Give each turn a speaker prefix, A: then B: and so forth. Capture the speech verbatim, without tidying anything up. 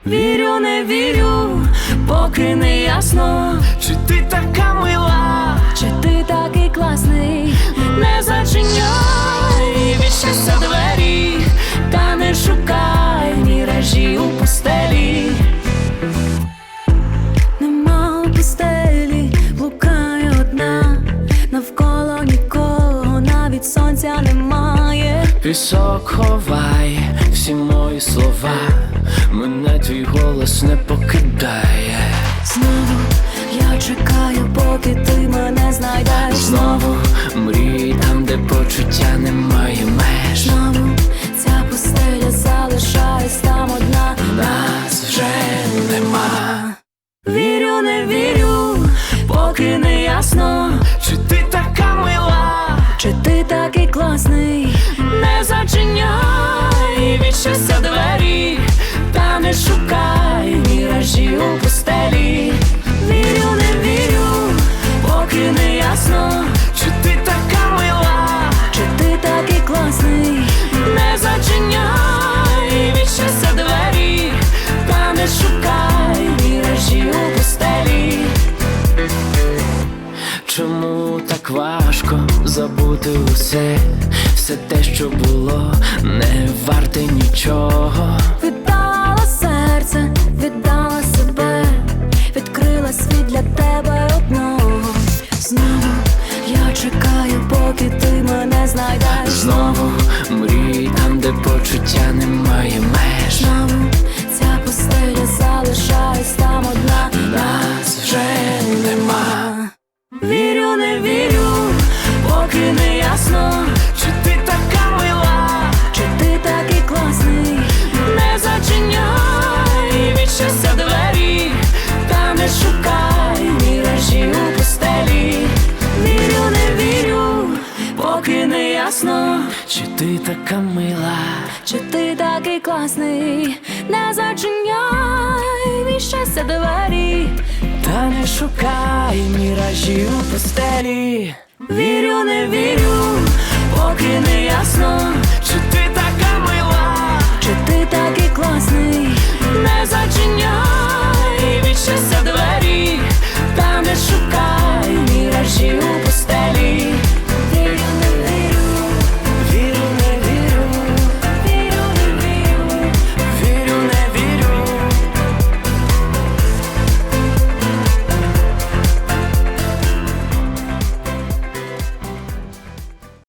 A: Вірю, не вірю, поки не ясно,
B: чи ти така мила,
A: чи ти такий класний. Не зачиняй від щастя двері, та не шукай міражі у пустелі. Нема у пустелі, блукає одна, навколо нікого, навіть сонця немає.
B: пісок ховай всі мої слова, мене твій голос не покидає.
A: Знову я чекаю, поки ти мене знайдеш.
B: Знову мрій там, де почуття немає меж.
A: Знову ця пустеля залишаюсь там одна,
B: Нас вже нема.
A: Вірю, не вірю, поки не ясно,
B: Чи ти така мила,
A: чи ти такий класний. Не зачиняй від щастя двері, та не шукай міражі у пустелі. Вірю, не вірю, поки не ясно,
B: чи ти така мила,
A: чи ти такий класний. Не зачиняй від щастя двері, та не шукай міражі у пустелі.
B: чому так важко забути усе, все те, що було, не варте нічого.
A: Віддала серце, віддала себе, відкрила світ для тебе одного. Знову я чекаю, поки ти мене знайдеш.
B: Знову мрій там, де почуття немає меж.
A: Знову ця пустеля залишаюсь там одна,
B: Нас вже нема.
A: Вірю, не вірю, поки не ясно,
B: Чи ти така мила,
A: чи ти такий класний. Не зачиняй від щастя двері, та не шукай міражі у пустелі. Вірю, не вірю, поки не ясно,
B: чи ти така мила,
A: чи ти такий класний. Не зачиняй від щастя двері,
B: та не шукай міражі у постелі.
A: вірю, не вірю, поки не ясно,